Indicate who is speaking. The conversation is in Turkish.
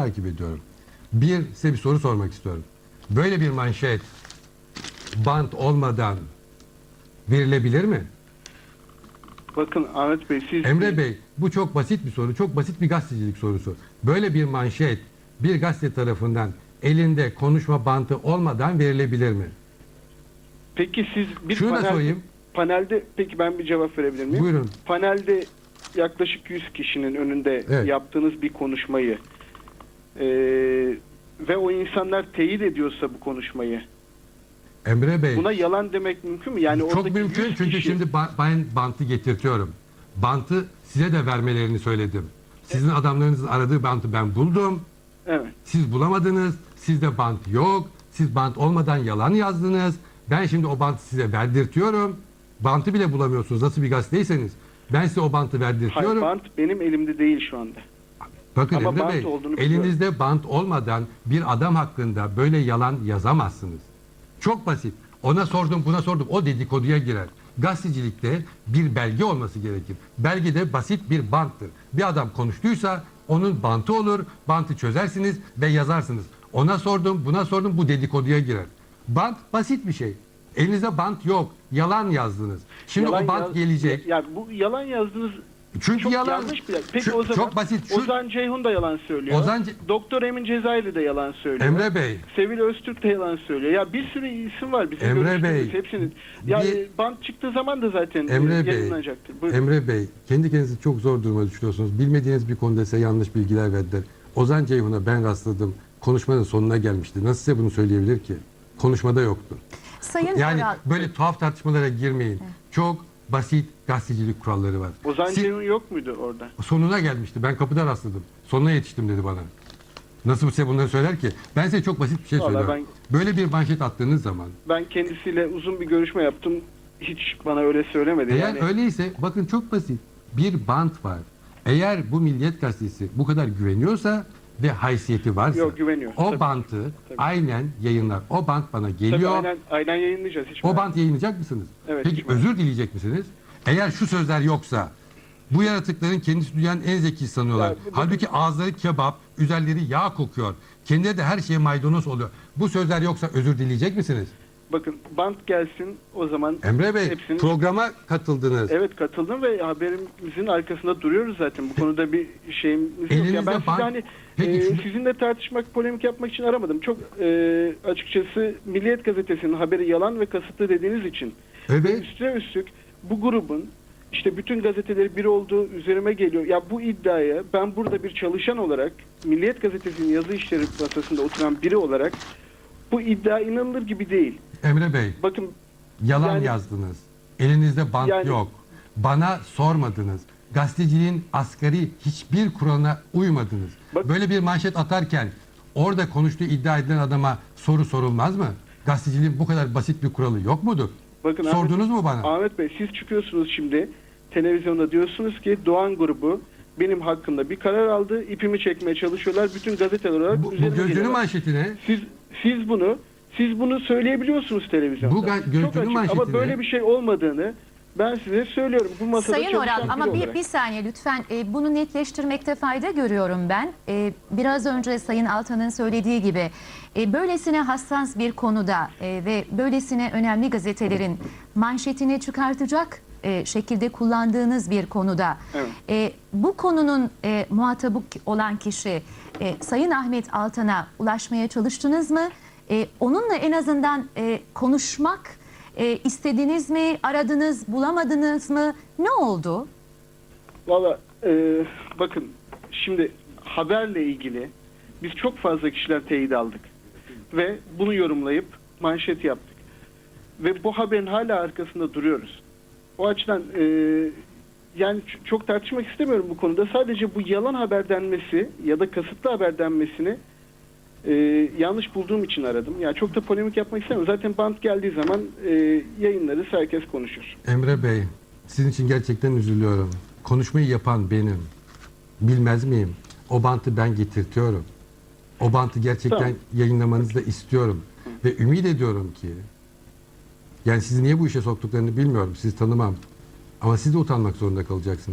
Speaker 1: takip ediyorum. Size bir soru sormak istiyorum. Böyle bir manşet bant olmadan verilebilir mi?
Speaker 2: Bakın Ahmet Bey, siz...
Speaker 1: Emre Bey, bu çok basit bir soru. Çok basit bir gazetecilik sorusu. Böyle bir manşet bir gazete tarafından elinde konuşma bantı olmadan verilebilir mi?
Speaker 2: Peki siz bir
Speaker 1: Şunu da sorayım.
Speaker 2: panelde, peki ben bir cevap verebilir miyim?
Speaker 1: Buyurun.
Speaker 2: Panelde yaklaşık 100 kişinin önünde
Speaker 1: Evet.
Speaker 2: yaptığınız bir konuşmayı ve o insanlar teyit ediyorsa bu konuşmayı,
Speaker 1: Emre Bey,
Speaker 2: buna yalan demek mümkün mü? Yani
Speaker 1: çok
Speaker 2: oradaki
Speaker 1: mümkün
Speaker 2: 100
Speaker 1: çünkü
Speaker 2: kişi...
Speaker 1: şimdi ben bantı getirtiyorum. Bantı size de vermelerini söyledim. Sizin adamlarınızın aradığı bantı ben buldum.
Speaker 2: Evet.
Speaker 1: Siz bulamadınız. Sizde bant yok. Siz bant olmadan yalan yazdınız. Ben şimdi o bantı size verdirtiyorum. Bantı bile bulamıyorsunuz. Nasıl bir gazeteyseniz. Ben size o bantı
Speaker 2: Hayır,
Speaker 1: verdirtiyorum.
Speaker 2: bant benim elimde değil şu anda.
Speaker 1: Bakın
Speaker 2: ama
Speaker 1: Emre
Speaker 2: bant
Speaker 1: Bey,
Speaker 2: olduğunu biliyorum.
Speaker 1: elinizde bant olmadan bir adam hakkında böyle yalan yazamazsınız. Çok basit. Ona sordum, buna sordum. O dedikoduya girer. Gazetecilikte bir belge olması gerekir. Belge de basit bir banttır. Bir adam konuştuysa onun bantı olur. Bantı çözersiniz ve yazarsınız. Ona sordum, buna sordum. Bu dedikoduya girer. Bant basit bir şey. Elinizde bant yok. Yalan yazdınız. Şimdi
Speaker 2: Yalan
Speaker 1: o bant gelecek.
Speaker 2: Ya bu yalan yazdınız.
Speaker 1: Çünkü
Speaker 2: Çok
Speaker 1: yalan.
Speaker 2: yanlış bir. Peki o zaman
Speaker 1: çok basit.
Speaker 2: Ozan Ceyhun da yalan söylüyor. Doktor Emin Cezayirli de yalan söylüyor.
Speaker 1: Emre Bey.
Speaker 2: Sevil Öztürk de yalan söylüyor. Ya bir sürü isim var bizim
Speaker 1: Emre Bey.
Speaker 2: hepsinin. Yani bant çıktığı zaman da zaten
Speaker 1: Emre Bey.
Speaker 2: yayınlanacaktır. Buyurun.
Speaker 1: Emre Bey, kendi kendinizi çok zor duruma düşürüyorsunuz. Bilmediğiniz bir konuda size yanlış bilgiler verdiler. Ozan Ceyhun'a ben rastladım. Konuşmanın sonuna gelmişti. Nasıl size bunu söyleyebilir ki? Konuşmada yoktu.
Speaker 3: Sayın
Speaker 1: Yani
Speaker 3: Oral,
Speaker 1: böyle tuhaf tartışmalara girmeyin. Çok basit gazetecilik kuralları var.
Speaker 2: Ozan Ceyhun yok muydu orada?
Speaker 1: Sonuna gelmişti. Ben kapıda rastladım. Sonuna yetiştim dedi bana. Nasıl size bunları söyler ki? Ben size çok basit bir şey
Speaker 2: Vallahi
Speaker 1: söylüyorum. Böyle bir manşet attığınız zaman.
Speaker 2: Ben kendisiyle uzun bir görüşme yaptım. Hiç bana öyle söylemedi.
Speaker 1: Eğer
Speaker 2: Yani
Speaker 1: öyleyse bakın çok basit. Bir bant var. Eğer bu Milliyet Gazetesi bu kadar güveniyorsa ve haysiyeti varsa
Speaker 2: Yok, güveniyor.
Speaker 1: o
Speaker 2: Tabii.
Speaker 1: bantı
Speaker 2: Tabii.
Speaker 1: aynen yayınlar. O bant bana
Speaker 2: tabii
Speaker 1: geliyor.
Speaker 2: aynen yayınlayacağız. Hiç
Speaker 1: O
Speaker 2: merak
Speaker 1: bant yayınlayacak mısınız?
Speaker 2: Evet,
Speaker 1: Peki
Speaker 2: hiç merak
Speaker 1: özür dileyecek misiniz? Eğer şu sözler yoksa bu yaratıkların kendisi dünyanın en zeki sanıyorlar.
Speaker 2: Ya,
Speaker 1: Halbuki ağızları kebap, üzerleri yağ kokuyor. Kendileri de her şeye maydanoz oluyor. Bu sözler yoksa özür dileyecek misiniz?
Speaker 2: Bakın bant gelsin o zaman.
Speaker 1: Emre Bey,
Speaker 2: hepsini...
Speaker 1: programa katıldınız.
Speaker 2: Evet, katıldım ve haberimizin arkasında duruyoruz zaten. Bu konuda bir şeyimiz yok.
Speaker 1: Elinizde
Speaker 2: Ya ben sizi
Speaker 1: bant-
Speaker 2: hani
Speaker 1: Peki şunu-
Speaker 2: sizinle tartışmak, polemik yapmak için aramadım. Çok açıkçası Milliyet Gazetesi'nin haberi yalan ve kasıtlı dediğiniz için. Ve
Speaker 1: Evet.
Speaker 2: üstüne üstlük bu grubun işte bütün gazeteleri bir olduğu üzerime geliyor. Ya bu iddiaya ben burada bir çalışan olarak, Milliyet Gazetesi'nin yazı işleri masasında oturan biri olarak bu iddia inanılır gibi değil.
Speaker 1: Emre Bey,
Speaker 2: Bakın
Speaker 1: yalan
Speaker 2: Yani-
Speaker 1: yazdınız. Elinizde bant
Speaker 2: Yani-
Speaker 1: yok. Bana sormadınız. Gazeteciliğin asgari hiçbir kuralına uymadınız.
Speaker 2: Bak-
Speaker 1: Böyle bir manşet atarken orada konuştuğu iddia edilen adama soru sorulmaz mı? Gazeteciliğin bu kadar basit bir kuralı yok mudur?
Speaker 2: bakın
Speaker 1: Sordunuz mu bana?
Speaker 2: Ahmet Bey, siz çıkıyorsunuz şimdi televizyonda, diyorsunuz ki Doğan grubu benim hakkımda bir karar aldı. İpimi çekmeye çalışıyorlar. Bütün gazeteler olarak
Speaker 1: Bu
Speaker 2: üzerime
Speaker 1: gözünün
Speaker 2: geliyorlar.
Speaker 1: manşetine
Speaker 2: Siz bunu söyleyebiliyorsunuz televizyonda.
Speaker 1: Bu gözünün
Speaker 2: Çok açık.
Speaker 1: manşetine-
Speaker 2: Ama böyle bir şey olmadığını ben size söylüyorum. Bu masada
Speaker 3: Sayın
Speaker 2: çalışan
Speaker 3: Oral,
Speaker 2: biri
Speaker 3: ama
Speaker 2: olarak.
Speaker 3: bir saniye lütfen, bunu netleştirmekte fayda görüyorum ben. Biraz önce Sayın Altan'ın söylediği gibi böylesine hassas bir konuda ve böylesine önemli gazetelerin manşetini çıkartacak şekilde kullandığınız bir konuda bu konunun muhatabı olan kişi Sayın Ahmet Altan'a ulaşmaya çalıştınız mı? Onunla en azından konuşmak istediniz mi? Aradınız, bulamadınız mı? Ne oldu?
Speaker 2: Valla bakın şimdi haberle ilgili biz çok fazla kişiler teyit aldık. Ve bunu yorumlayıp manşet yaptık. Ve bu haberin hala arkasında duruyoruz. O açıdan yani çok tartışmak istemiyorum bu konuda. Sadece bu yalan haber denmesi ya da kasıtlı haber denmesini yanlış bulduğum için aradım. Yani çok da polemik yapmak istemiyorum. Zaten bant geldiği zaman yayınlarız, herkes konuşur.
Speaker 1: Emre Bey, sizin için gerçekten üzülüyorum. Konuşmayı yapan benim. Bilmez miyim? O bantı ben getirtiyorum. O bantı gerçekten
Speaker 2: Tamam.
Speaker 1: yayınlamanızı da istiyorum. Ve ümit ediyorum ki, yani sizi niye bu işe soktuklarını bilmiyorum, sizi tanımam. Ama siz de utanmak zorunda kalacaksınız.